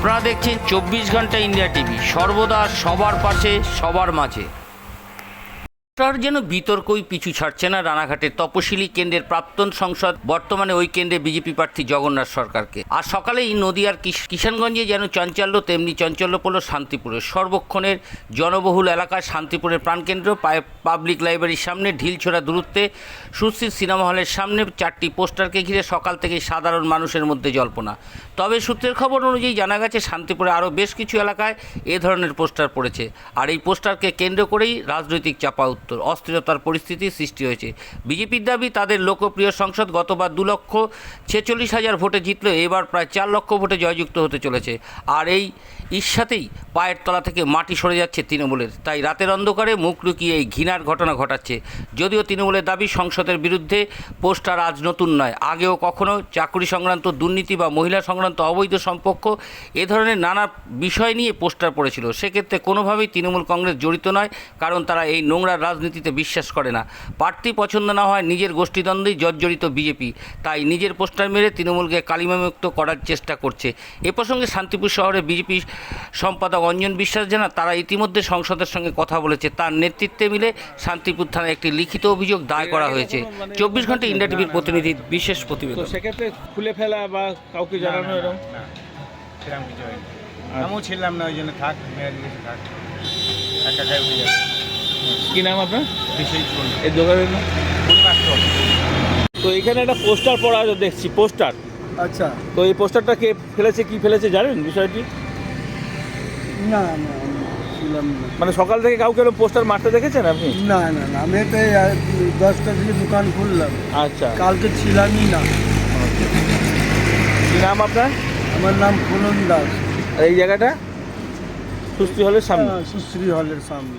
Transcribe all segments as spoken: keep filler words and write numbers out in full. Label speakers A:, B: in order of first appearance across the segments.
A: আপনারা দেখছেন চব্বিশ ঘন্টা ইন্ডিয়া টিভি, সর্বদা সবার পাশে সবার মাঝে। যেন বিতর্কই পিছু ছাড়ছে না রানাঘাটের তপশিলি কেন্দ্রের প্রাক্তন সংসদ, বর্তমানে ওই কেন্দ্রে বিজেপি প্রার্থী জগন্নাথ সরকারকে। আর সকালেই নদিয়ার কিষানগঞ্জে যেন চাঞ্চল্য, তেমনি চাঞ্চল্য পড়ল শান্তিপুরের সর্বক্ষণের জনবহুল এলাকায় শান্তিপুরের প্রাণকেন্দ্র পাবলিক লাইব্রেরির সামনে ঢিলছোড়া দূরত্বে সুশ্রী সিনেমা হলের সামনে চারটি পোস্টারকে ঘিরে সকাল থেকে সাধারণ মানুষের মধ্যে জল্পনা। তবে সূত্রের খবর অনুযায়ী জানা গেছে শান্তিপুরে আরও বেশ কিছু এলাকায় এ ধরনের পোস্টার পড়েছে, আর এই পোস্টারকে কেন্দ্র করেই রাজনৈতিক চাপা উত্তর অস্থিরতার পরিস্থিতি সৃষ্টি হয়েছে। বিজেপির দাবি তাদের লোকপ্রিয় সংসদ গতবার দু লক্ষ ছেচল্লিশ হাজার ভোটে জিতলেও এবার প্রায় চার লক্ষ ভোটে জয়যুক্ত হতে চলেছে। আর এই ঈর্ষাতেই পায়ের তলা থেকে মাটি সরে যাচ্ছে তৃণমূলের, তাই রাতের অন্ধকারে মুখ লুকিয়ে এই ঘৃণার ঘটনা ঘটাচ্ছে। যদিও তৃণমূলের দাবি সংসদের বিরুদ্ধে পোস্টার আজ নতুন নয়, আগেও কখনো চাকরি সংক্রান্ত দুর্নীতি বা মহিলা সংক্রান্ত অবৈধ সম্পর্ক এ ধরনের নানা বিষয় নিয়ে পোস্টার পড়েছিল। সেক্ষেত্রে কোনোভাবেই তৃণমূল কংগ্রেস জড়িত নয়, কারণ তারা এই নোংরা রাজনীতিতে বিশ্বাস করে না। প্রার্থী পছন্দ না হয় নিজের গোষ্ঠীদ্বন্দ্বেই জর্জরিত বিজেপি, তাই নিজের পোস্টার মেরে তৃণমূলকে কালিমামুক্ত করার চেষ্টা করছে। এ প্রসঙ্গে শান্তিপুর শহরে বিজেপি সম্পাদক অঞ্জন বিশ্বাস জানান, তারা ইতিমধ্যে সংসদের সঙ্গে কথা বলেছে। তার নেতৃত্বে মিলে শান্তিপুর থানায় একটি লিখিত অভিযোগ দায় করা হয়েছে। চব্বিশ ঘন্টা ইন্ডিয়া টিভির প্রতিনিধির বিশেষ প্রতিবেদন।
B: সেক্ষেত্রে খুলে ফেলা বা কাউকে জানানো এরকম
C: সেরকম কিছু হয়নি। আমিও ছিলাম না, ওই জন্য থাক মেয়ের দিকে থাক একা একাই উঠে যাচ্ছে।
B: কি নাম আপনার?
C: বিশেষ
B: এই দোকানের নাম? তো এখানে একটা পোস্টার পড়া দেখছি, পোস্টার।
D: আচ্ছা,
B: তো এই পোস্টারটা কে ফেলেছে, কি ফেলেছে জানেন বিষয়টি?
D: না না ছিলাম না।
B: মানে সকাল থেকে কাউকে এরকম পোস্টার মারতে দেখেছেন আপনি?
D: না না না আমি তো এই আর কি দশটা থেকে দোকান খুললাম,
B: আচ্ছা,
D: কালকে ছিলামই না।
B: কি নাম আপনার?
D: আমার নাম ফুলন দাস।
B: আর এই জায়গাটা সুশ্রী হলের সামনে?
D: হ্যাঁ, সুশ্রী হলের সামনে।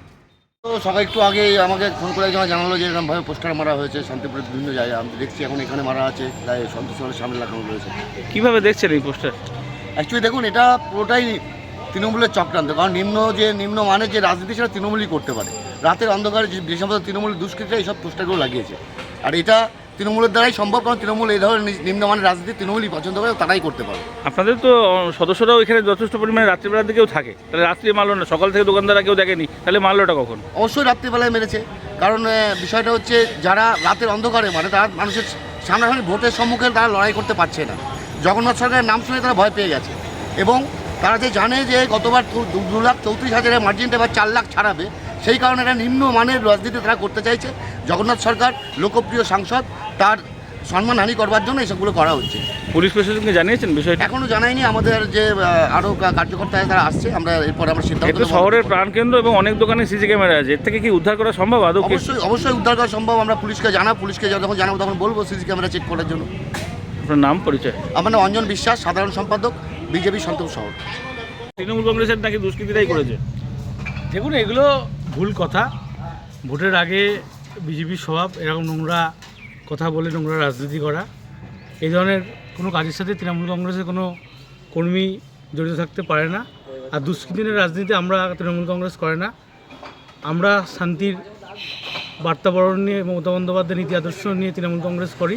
E: তো সবাই একটু আগে আমাকে ফোন করে যখন জানালো যে এরকমভাবে পোস্টার মারা হয়েছে শান্তিপুরের বিভিন্ন জায়গায়, আমি দেখছি এখন এখানে মারা আছে, তাই সন্তোষ হলের সামনে লাগানো রয়েছে।
B: কিভাবে দেখছেন এই পোস্টার?
E: অ্যাকচুয়ালি দেখুন, এটা পুরোটাই তৃণমূলের চক্রান্ত, কারণ নিম্ন যে নিম্ন মানের যে রাজনীতি সেটা তৃণমূলই করতে পারে। রাতের অন্ধকারে যে সমস্ত তৃণমূলের দুষ্কৃতীরা এইসব পোস্টারগুলো লাগিয়েছে, আর এটা তৃণমূলের দ্বারাই সম্ভব, কারণ তৃণমূল এই ধরনের নিম্নমানের রাজনীতি তৃণমূলই পছন্দ করে, তারাই করতে পারে।
B: আপনাদের তো সদস্যরাও এখানে যথেষ্ট পরিমাণে রাত্রিবেলার দিকেও থাকে, তাহলে রাত্রি মারলো না? সকাল থেকে দোকানদাররা কেউ দেখেনি, তাহলে মারলোটা কখন?
E: অবশ্যই রাত্রিবেলায় মেরেছে, কারণ বিষয়টা হচ্ছে যারা রাতের অন্ধকারে মানে তারা মানুষের সামনাসামনি ভোটের সম্মুখে তারা লড়াই করতে পারছে না। জগন্নাথ সরকারের নাম শুনে তারা ভয় পেয়ে গেছে, এবং তারা যে জানে যে গতবার দু লাখ চৌত্রিশ হাজারের মার্জিনটা এবার চার লাখ ছাড়াবে, সেই কারণে একটা নিম্নমানের রাজনীতি তারা করতে চাইছে। জগন্নাথ সরকার লোকপ্রিয় সাংসদ, তার সম্মানহানি করবার জন্য এসবগুলো করা হচ্ছে।
B: পুলিশ প্রশাসনকে জানিয়েছেন বিষয়টা?
E: এখনও জানায়নি, আমাদের যে আরও কার্যকর্তা তারা আসছে, আমরা এরপর আমরা সিদ্ধান্ত
B: এটা শহরের প্রাণকেন্দ্র এবং অনেক দোকানে সিসি ক্যামেরা আছে, এর থেকে কি উদ্ধার করা সম্ভব আদৌ?
E: অবশ্যই অবশ্যই উদ্ধার করা সম্ভব। আমরা পুলিশকে জানাবো, পুলিশকে যখন জানাবো তখন বলবো সিসি ক্যামেরা চেক করার জন্য।
B: আপনার নাম, পরিচয়?
E: আমার নাম অঞ্জন বিশ্বাস, সাধারণ সম্পাদক, বিজেপি শান্তিপুর শহর।
B: তৃণমূল কংগ্রেসের নাকি দুষ্কৃতীরাই করেছে?
F: দেখুন, এগুলো ভুল কথা। ভোটের আগে বিজেপির স্বভাব এরকম নোংরা কথা বলে নোংরা রাজনীতি করা। এই ধরনের কোনো কাজের সাথে তৃণমূল কংগ্রেসের কোনো কর্মী জড়িত থাকতে পারে না। আর দুষ্কৃতির রাজনীতি আমরা তৃণমূল কংগ্রেস করে না। আমরা শান্তির বার্তাবরণ নিয়ে, মমতা বন্দ্যোপাধ্যায়ের নীতি আদর্শ নিয়ে তৃণমূল কংগ্রেস করি।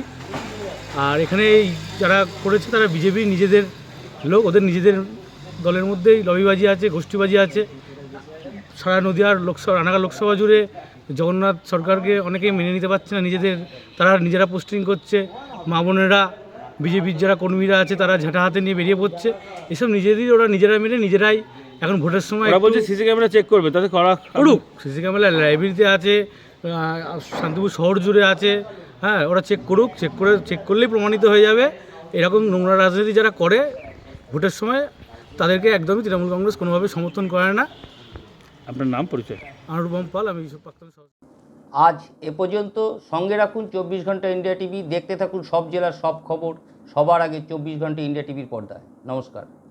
F: আর এখানে এই যারা করেছে তারা বিজেপি নিজেদের লোক, ওদের নিজেদের দলের মধ্যেই লবিবাজি আছে, গোষ্ঠীবাজি আছে। সারা নদীয়ার লোকসভা, রানাঘাট লোকসভা জুড়ে জগন্নাথ সরকারকে অনেকেই মেনে নিতে পারছে না নিজেদের, তারা নিজেরা পোস্টিং করছে। মা বোনেরা, বিজেপির যারা কর্মীরা আছে তারা ঝাঁটা হাতে নিয়ে বেরিয়ে পড়ছে। এসব নিজেদেরই ওরা নিজেরা মেনে নিজেরাই এখন ভোটের সময়
B: বলছে সিসি ক্যামেরা চেক করবে, তাতে করা
F: করুক। সিসি ক্যামেরা লাইব্রেরিতে আছে, শান্তিপুর শহর জুড়ে আছে। হ্যাঁ, ওরা চেক করুক, চেক করে চেক করলেই প্রমাণিত হয়ে যাবে এরকম নোংরা রাজনীতি যারা করে ভোটের সময়, তাদেরকে একদমই তৃণমূল কংগ্রেস কোনোভাবে সমর্থন করে না।
B: আপনার নাম, পরিচয়?
F: অনুপম পাল, আমি প্রাক্তন।
A: আজ এ পর্যন্ত। সঙ্গে রাখুন চব্বিশ ঘন্টা ইন্ডিয়া টিভি, দেখতে থাকুন সব জেলার সব খবর সবার আগে চব্বিশ ঘন্টা ইন্ডিয়া টিভির পর্দায়। নমস্কার।